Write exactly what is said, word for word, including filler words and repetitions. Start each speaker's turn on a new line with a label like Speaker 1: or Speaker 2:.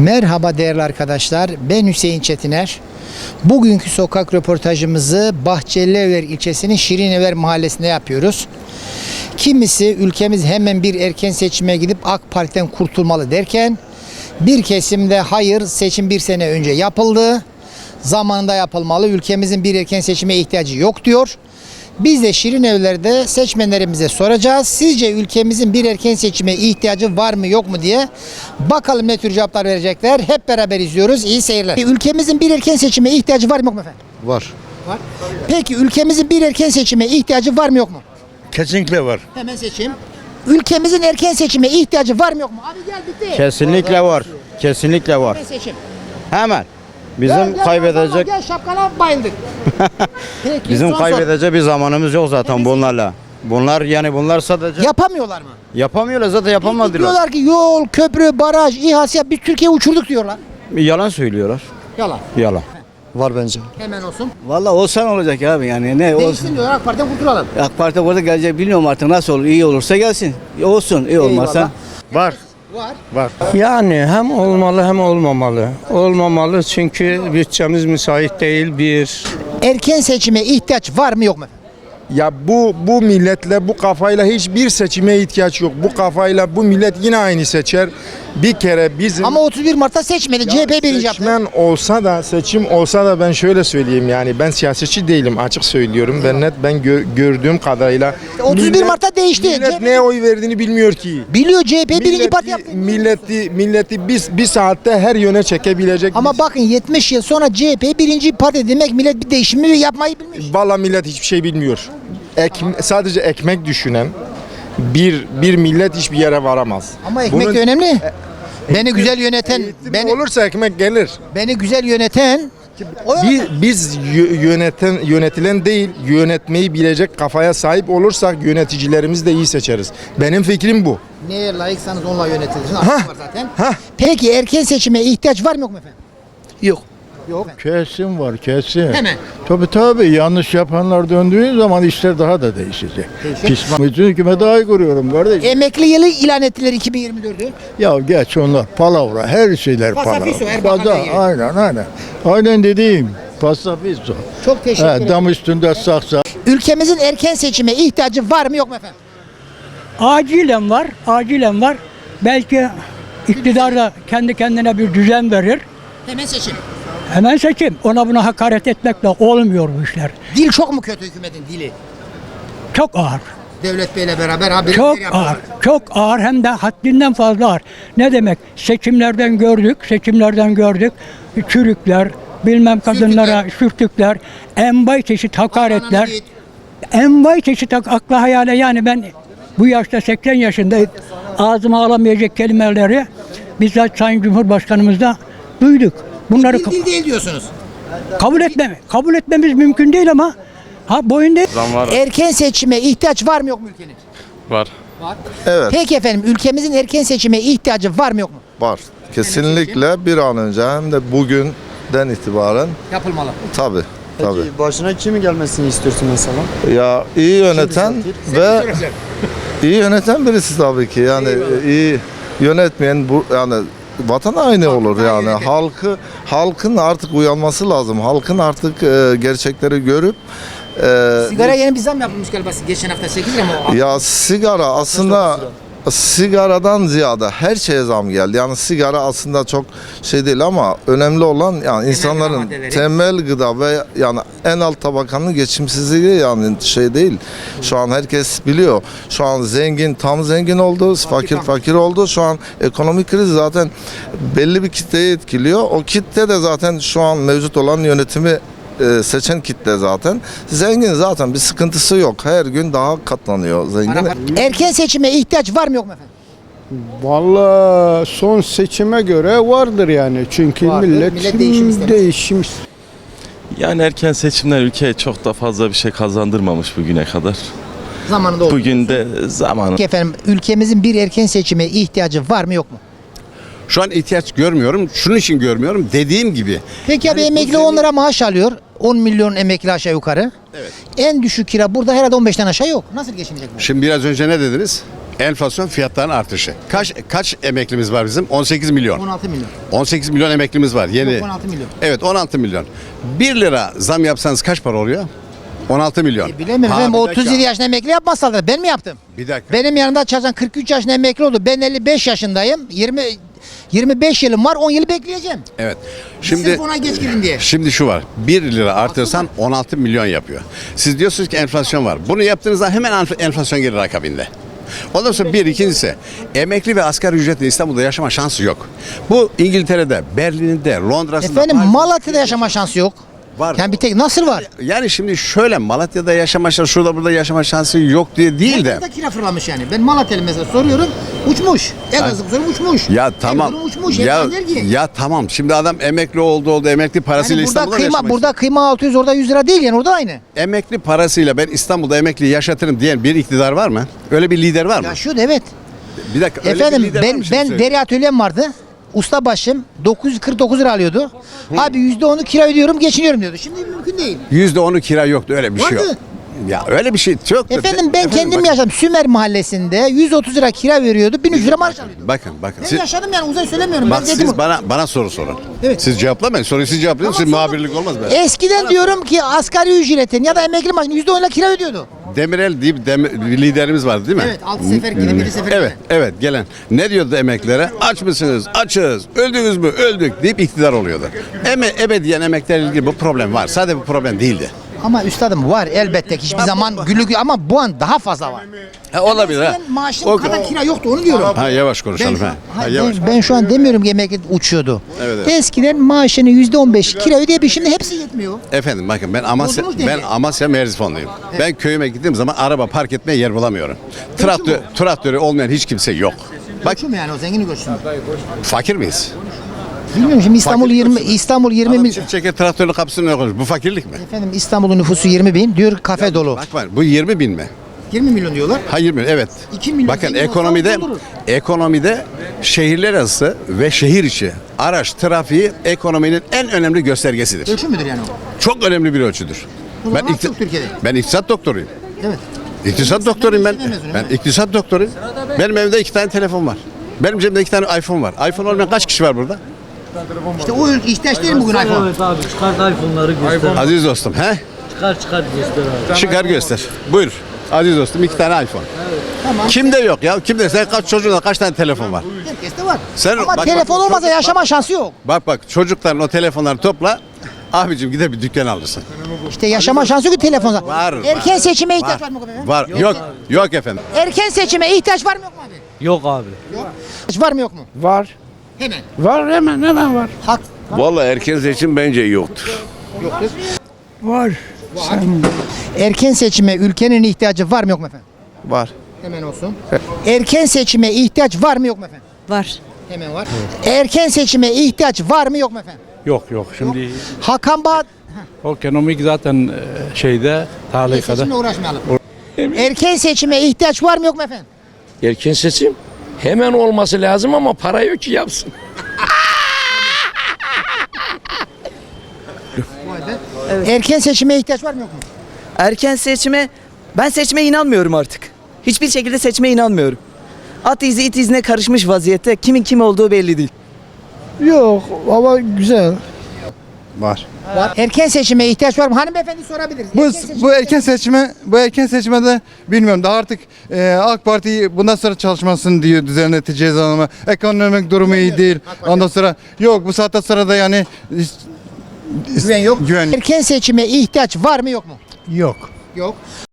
Speaker 1: Merhaba değerli arkadaşlar, ben Hüseyin Çetiner. Bugünkü sokak röportajımızı Bahçelievler ilçesinin Şirinevler mahallesinde yapıyoruz. Kimisi ülkemiz hemen bir erken seçime gidip AK Parti'den kurtulmalı derken, bir kesimde hayır, seçim bir sene önce yapıldı, zamanında yapılmalı, ülkemizin bir erken seçime ihtiyacı yok diyor. Biz de Şirinevler'de seçmenlerimize soracağız. Sizce ülkemizin bir erken seçime ihtiyacı var mı yok mu diye. Bakalım ne tür cevaplar verecekler. Hep beraber izliyoruz. İyi seyirler. Ülkemizin bir erken seçime ihtiyacı var mı yok mu efendim?
Speaker 2: Var.
Speaker 1: Var. Peki ülkemizin bir erken seçime ihtiyacı var mı yok mu?
Speaker 2: Kesinlikle var.
Speaker 1: Hemen seçeyim. Ülkemizin erken seçime ihtiyacı var mı yok mu? Abi gel bitti.
Speaker 3: Kesinlikle var. Kesinlikle var.
Speaker 1: Hemen seçim.
Speaker 3: Hemen. Bizim
Speaker 1: Gel, gel,
Speaker 3: kaybedecek
Speaker 1: Gel şapkana bayıldık. Peki,
Speaker 3: bizim
Speaker 1: son sor.
Speaker 3: kaybedecek bir zamanımız yok zaten bunlarla. Bunlar yani bunlar sadece
Speaker 1: Yapamıyorlar mı?
Speaker 3: yapamıyorlar zaten
Speaker 1: Peki
Speaker 3: yapamadılar.
Speaker 1: diyorlar ki yol, köprü, baraj, İHA, SİHA biz Türkiye uçurduk diyorlar.
Speaker 3: Yalan söylüyorlar.
Speaker 1: Yalan.
Speaker 3: Yalan.
Speaker 2: Var bence.
Speaker 1: Hemen olsun.
Speaker 4: Vallahi olsan olacak abi yani ne olsun.
Speaker 1: Değişsin diyorlar, AK Parti'den kurtulalım.
Speaker 4: AK Parti burada gelecek bilmiyorum artık nasıl olur. İyi olursa gelsin. Olsun iyi olmazsa.
Speaker 1: Eyvallah.
Speaker 2: Var.
Speaker 1: Var.
Speaker 2: Var.
Speaker 5: Yani hem olmalı hem olmamalı. Olmamalı çünkü bütçemiz müsait değil bir.
Speaker 1: Erken seçime ihtiyaç var mı yok mu?
Speaker 6: Ya bu bu milletle bu kafayla hiçbir seçime ihtiyaç yok. Bu kafayla bu millet yine aynı seçer. Bir kere bizim
Speaker 1: Ama otuz bir Mart'ta seçmedi. C H P birinci yaptı.
Speaker 6: seçmen olsa da seçim olsa da ben şöyle söyleyeyim yani ben siyasetçi değilim açık söylüyorum. Ben net ben gö- gördüğüm kadarıyla
Speaker 1: otuz bir Mart'ta değişti.
Speaker 6: Millet
Speaker 1: C H P
Speaker 6: neye oy verdiğini bilmiyor ki.
Speaker 1: Biliyor, C H P birinci parti yaptı.
Speaker 6: milleti milleti biz bir saatte her yöne çekebilecek.
Speaker 1: Ama bakın yetmiş yıl sonra C H P birinci parti demek millet bir değişimi yapmayı bilmiş.
Speaker 6: Valla millet hiçbir şey bilmiyor. Ek, sadece ekmek düşünen bir bir millet hiçbir yere varamaz.
Speaker 1: Ama ekmek
Speaker 6: Bunun-
Speaker 1: de önemli. Beni güzel yöneten,
Speaker 6: Eğitim
Speaker 1: beni,
Speaker 6: olursa ekmek gelir.
Speaker 1: beni güzel yöneten o
Speaker 6: Biz, biz yö- yöneten yönetilen değil, yönetmeyi bilecek kafaya sahip olursak yöneticilerimizi de iyi seçeriz. Benim fikrim bu.
Speaker 1: neye layıksanız onunla yönetilir. Var zaten. Peki erken seçime ihtiyaç var mı yok mu efendim?
Speaker 2: Yok.
Speaker 1: Yok.
Speaker 2: Kesin var kesin.
Speaker 1: Hemen.
Speaker 2: Tabii tabii yanlış yapanlar döndüğü zaman işler daha da değişecek.
Speaker 1: Değişecek.
Speaker 2: Pişman. Bütün hükümete ay kuruyorum kardeşim.
Speaker 1: Emekli yılı ilan ettiler iki bin yirmi dördü.
Speaker 2: Ya geç onlar palavra her şeyler palavra.
Speaker 1: Pasafiso, Erbakan'la
Speaker 2: Paza-
Speaker 1: ilgili.
Speaker 2: Aynen aynen. Aynen dediğim pasafiso.
Speaker 1: Çok teşekkür
Speaker 2: He,
Speaker 1: ederim.
Speaker 2: dam üstünde saksa.
Speaker 1: Ülkemizin erken seçime ihtiyacı var mı yok mu efendim?
Speaker 7: Acilen var, acilen var. Belki iktidar da kendi kendine bir düzen verir.
Speaker 1: Hemen seçim.
Speaker 7: Hemen seçim. Ona buna hakaret etmekle olmuyor bu işler.
Speaker 1: Dil çok mu kötü hükümetin dili?
Speaker 7: Çok ağır,
Speaker 1: Devlet Bey'le beraber ha
Speaker 7: çok ağır, çok ağır hem de haddinden fazla ağır. Ne demek? Seçimlerden gördük, seçimlerden gördük. Çürükler, bilmem kadınlara sürtükler, envai çeşit hakaretler. Envai çeşit ak- akla hayale yani ben bu yaşta seksen yaşında ağzıma alamayacak kelimeleri bizzat Sayın Cumhurbaşkanımızda duyduk. Bunları
Speaker 1: Dil, dil değil diyorsunuz.
Speaker 7: kabul etmem, kabul etmemiz mümkün değil ama ha boyun değil.
Speaker 1: Erken seçime ihtiyaç var mı yok mu ülkenin?
Speaker 8: Var.
Speaker 1: Var.
Speaker 9: Evet.
Speaker 1: Peki efendim ülkemizin erken seçime ihtiyacı var mı yok mu?
Speaker 9: Var. Kesinlikle bir an önce hem de bugünden itibaren
Speaker 1: Yapılmalı.
Speaker 9: tabi tabi.
Speaker 4: Başına kimin gelmesini istiyorsun mesela?
Speaker 9: Ya iyi yöneten ve iyi yöneten birisi tabii ki yani iyi yönetmeyen bu yani vatan aynı olur yani
Speaker 1: yöneten.
Speaker 9: halkı halkın artık uyanması lazım. Halkın artık e, gerçekleri görüp e,
Speaker 1: Sigara yeni bir zam yapılmış galiba geçen hafta sekiz lira mı? o?
Speaker 9: ya sigara aslında sigaradan ziyade her şeye zam geldi. Yani sigara aslında çok şey değil ama önemli olan yani insanların
Speaker 1: maddeleri.
Speaker 9: temel gıda ve yani en alt tabakanın geçimsizliği yani şey değil. Şu an herkes biliyor. Şu an zengin tam zengin oldu, fakir fakir oldu. Şu an ekonomik kriz zaten belli bir kitleyi etkiliyor. O kitle de zaten şu an mevcut olan yönetimi e, seçen kitle zaten. Zengin zaten bir sıkıntısı yok. Her gün daha katlanıyor zengin.
Speaker 1: Erken seçime ihtiyaç var mı yok mu efendim?
Speaker 10: Vallahi son seçime göre vardır yani. Çünkü
Speaker 1: Vardır.
Speaker 10: millet,
Speaker 1: Millet değişim istemez.
Speaker 10: değişim
Speaker 8: Yani erken seçimler ülkeye çok da fazla bir şey kazandırmamış bugüne kadar.
Speaker 1: Zamanında oldu.
Speaker 8: Bugün de zamanı.
Speaker 1: Peki efendim ülkemizin bir erken seçime ihtiyacı var mı yok mu?
Speaker 11: Şu an ihtiyaç görmüyorum. Şunun için görmüyorum. Dediğim gibi.
Speaker 1: Peki abi
Speaker 11: Yani bu
Speaker 1: emekli
Speaker 11: senin-
Speaker 1: on lira maaş alıyor. on milyon emekli aşağı yukarı.
Speaker 11: Evet.
Speaker 1: En düşük kira burada herhalde on beşten aşağı yok. Nasıl geçinecek bu?
Speaker 11: Şimdi biraz önce ne dediniz? Enflasyon, fiyatların artışı. Kaç kaç emeklimiz var bizim? on sekiz milyon.
Speaker 1: on altı milyon.
Speaker 11: on sekiz milyon emeklimiz var. Yeni.
Speaker 1: Yok, on altı milyon.
Speaker 11: Evet, on altı milyon. bir lira zam yapsanız kaç para oluyor? on altı milyon.
Speaker 1: E, bilemiyorum.
Speaker 11: Ha,
Speaker 1: Efendim,
Speaker 11: bir
Speaker 1: otuz
Speaker 11: dakika.
Speaker 1: yedi yaşında emekli yapmazsalar ben mi yaptım?
Speaker 11: Bir dakika.
Speaker 1: Benim yanımda çalışan kırk üç yaşında emekli oldu. Ben elli beş yaşındayım. yirmi yirmi beş yılım var. on yılı bekleyeceğim.
Speaker 11: Evet.
Speaker 1: Şimdi
Speaker 11: Şimdi
Speaker 1: ona geç girin diye.
Speaker 11: Şimdi şu var. bir lira artırsan on altı milyon yapıyor. Siz diyorsunuz ki enflasyon var. Bunu yaptığınızda hemen enf- enflasyon gelir akabinde. Ondan sonra bir ikincisi emekli ve asgari ücretli İstanbul'da yaşama şansı yok. Bu İngiltere'de, Berlin'de, Londra'sında.
Speaker 1: Efendim
Speaker 11: Paris'te-
Speaker 1: Malatya'da yaşama şansı yok.
Speaker 11: Var.
Speaker 1: Yani bir tek nasıl var?
Speaker 11: Yani şimdi şöyle Malatya'da yaşama şansı, şurada burada yaşama şansı yok diye değil de.
Speaker 1: Herkes de kira fırlamış yani. Ben Malatya'lı mesela soruyorum. Uçmuş. Elazığ soruyorum uçmuş.
Speaker 11: Ya tamam.
Speaker 1: Erzurum uçmuş.
Speaker 11: Ya,
Speaker 1: Erzurum der ki.
Speaker 11: ya tamam. Şimdi adam emekli oldu oldu emekli parasıyla
Speaker 1: Yani burada
Speaker 11: İstanbul'da
Speaker 1: kıyma
Speaker 11: yaşamak
Speaker 1: burada kıyma altı yüz orada yüz lira değil yani orada aynı.
Speaker 11: Emekli parasıyla ben İstanbul'da emekli yaşatırım diyen bir iktidar var mı? Öyle bir lider var mı?
Speaker 1: Yaşıyordu evet.
Speaker 11: Bir dakika. öyle bir
Speaker 1: Efendim
Speaker 11: lider var
Speaker 1: ben
Speaker 11: mı şimdi
Speaker 1: ben
Speaker 11: söyle?
Speaker 1: deri atölyem vardı. Ustabaşım dokuz yüz kırk dokuz lira alıyordu. Abi yüzde onu kira ödüyorum geçiniyorum diyordu. Şimdi mümkün değil.
Speaker 11: Yüzde onu kira yoktu öyle bir şey yok.
Speaker 1: Vardı.
Speaker 11: Ya öyle bir şey yoktu.
Speaker 1: Efendim ben kendim
Speaker 11: bak-
Speaker 1: yaşadım. Sümer mahallesinde yüz otuz lira kira veriyordu. bin üç yüz lira maaş alıyordu.
Speaker 11: Bakın bakın.
Speaker 1: Ben
Speaker 11: Siz,
Speaker 1: yaşadım yani uzay söylemiyorum.
Speaker 11: bak
Speaker 1: ben dedim.
Speaker 11: siz bana bana soru sorun.
Speaker 1: Evet.
Speaker 11: Siz cevaplamayın. Soruyu siz cevaplayın.
Speaker 1: Tamam,
Speaker 11: Siz
Speaker 1: sordum.
Speaker 11: muhabirlik olmaz be.
Speaker 1: Eskiden diyorum ki asgari ücretin ya da emekli maaşının yüzde onla kira ödüyordu.
Speaker 11: Demirel diye bir dem- bir liderimiz vardı değil mi?
Speaker 1: Evet, altı sefer gidip yedi sefer
Speaker 11: Evet, evet gelen. Ne diyordu emeklilere? Aç mısınız? Açız. Öldünüz mü? Öldük deyip iktidar oluyordu. Eme, ebediyen emeklerle ilgili bu problem var. Sadece bu problem değildi.
Speaker 1: Ama üstadım var elbette ki hiçbir zaman gülük ama bu an daha fazla var.
Speaker 11: Ha, olabilir ha.
Speaker 1: Eskiden maaşım
Speaker 11: O-
Speaker 1: kadar kira yoktu onu diyorum.
Speaker 11: Ha yavaş
Speaker 1: Ben
Speaker 11: konuşalım
Speaker 1: şu,
Speaker 11: ha.
Speaker 1: ha,
Speaker 11: ha yavaş.
Speaker 1: ben, ben şu an demiyorum ki emekli uçuyordu.
Speaker 11: Evet, evet.
Speaker 1: Eskiden maaşının yüzde on beş kira ödeyebilir şimdi hepsi yetmiyor.
Speaker 11: Efendim bakın ben Amasya
Speaker 1: Bozulmuş
Speaker 11: ben
Speaker 1: denge.
Speaker 11: Amasya Merzifonluyum. Ben köyüme gittiğim zaman araba park etmeye yer bulamıyorum. Traktör traktörü olmayan hiç kimse yok. Bak
Speaker 1: Göçü mü yani o zengini göçü mü?
Speaker 11: fakir miyiz?
Speaker 1: Bilmiyorum şimdi İstanbul
Speaker 11: Fakir
Speaker 1: yirmi
Speaker 11: göçü mü?
Speaker 1: İstanbul yirmi
Speaker 11: Adam
Speaker 1: milyon.
Speaker 11: çift çeker traktörün kapısını ne koymuş? Bu fakirlik mi?
Speaker 1: Efendim İstanbul'un nüfusu yirmi bin diyor kafe dolu.
Speaker 11: Bak var bu yirmi bin mi?
Speaker 1: yirmi milyon diyorlar.
Speaker 11: Hayır mı? Evet.
Speaker 1: iki milyon
Speaker 11: Bakın
Speaker 1: zengin olsa
Speaker 11: ekonomide
Speaker 1: doldurur.
Speaker 11: ekonomide şehirler arası ve şehir içi araç trafiği ekonominin en önemli göstergesidir.
Speaker 1: Ölçü müdür yani o?
Speaker 11: Çok önemli bir ölçüdür.
Speaker 1: O zaman az çok Türkiye'de.
Speaker 11: ben iktisat doktoruyum.
Speaker 1: Evet.
Speaker 11: İktisat doktoruyum ben.
Speaker 1: Ben de mezunum,
Speaker 11: Ben
Speaker 1: evet.
Speaker 11: iktisat doktoruyum. Benim evimde iki tane telefon var. Benim cebimde iki tane iPhone var. iPhone olmayan kaç kişi var burada?
Speaker 1: İşte o ihtiyaç değil mi bugün iPhone?
Speaker 12: Evet abi çıkart iPhone'ları göster.
Speaker 11: Aziz dostum, he?
Speaker 12: Çıkar çıkar göster abi.
Speaker 11: Çıkar göster. Buyur. Aziz dostum iki tane iPhone.
Speaker 1: Tamam.
Speaker 11: Kimde yok ya? Kimde? Sen kaç çocuğunda kaç tane telefon var?
Speaker 1: Herkeste var.
Speaker 11: Sen-
Speaker 1: Ama
Speaker 11: bak,
Speaker 1: telefon
Speaker 11: bak,
Speaker 1: olmasa
Speaker 11: çocuk-
Speaker 1: yaşama şansı yok.
Speaker 11: Bak bak çocukların o telefonları topla. Abicim gider bir dükkan alırsın.
Speaker 1: İşte yaşama şansı yok ki telefonda.
Speaker 11: Var,
Speaker 1: Erken
Speaker 11: var,
Speaker 1: seçime ihtiyaç var,
Speaker 11: var.
Speaker 1: mı efendim?
Speaker 11: Var. Yok. Yok efendim.
Speaker 1: Erken seçime ihtiyaç var mı yok mu abi?
Speaker 12: Yok abi.
Speaker 1: Var mı yok mu?
Speaker 10: Var.
Speaker 1: Hemen.
Speaker 10: Var hemen hemen var.
Speaker 1: Hak
Speaker 13: Vallahi erken seçim bence yoktur.
Speaker 1: yoktur.
Speaker 10: Var.
Speaker 1: Erken seçime ülkenin ihtiyacı var mı yok mu efendim?
Speaker 6: Var.
Speaker 1: Hemen olsun. Erken seçime ihtiyaç var mı yok mu efendim?
Speaker 14: Var.
Speaker 1: Hemen var. Erken seçime ihtiyaç var mı yok mu efendim?
Speaker 5: Yok yok şimdi
Speaker 1: Hakan Bağat
Speaker 5: o ekonomik zaten e, şeyde tahlikada.
Speaker 1: seçimle uğraşmayalım. Erken seçime ihtiyaç var mı yok mu efendim?
Speaker 12: Erken seçim hemen olması lazım ama para yok ki yapsın.
Speaker 1: Erken seçime ihtiyaç var mı yok mu?
Speaker 14: Erken seçime ben seçime inanmıyorum artık. Hiçbir şekilde seçime inanmıyorum. At izi it izine karışmış vaziyette. Kimin kim olduğu belli değil.
Speaker 10: Yok ama güzel.
Speaker 6: Var.
Speaker 1: Var. Erken seçime ihtiyaç var mı? Hanımefendi sorabiliriz.
Speaker 2: Bu,
Speaker 1: seçime
Speaker 2: bu erken
Speaker 1: ihtiyaç-
Speaker 2: seçime bu erken seçmede bilmiyorum daha artık e, AK Parti bundan sonra çalışmasın diyor düzenleteceğiz ama ekonomik durumu iyi değil. Ondan sonra yok bu saatte sonra da yani
Speaker 1: Güven yok.
Speaker 2: Güven.
Speaker 1: Erken seçime ihtiyaç var mı yok mu?
Speaker 10: Yok.
Speaker 1: Yok.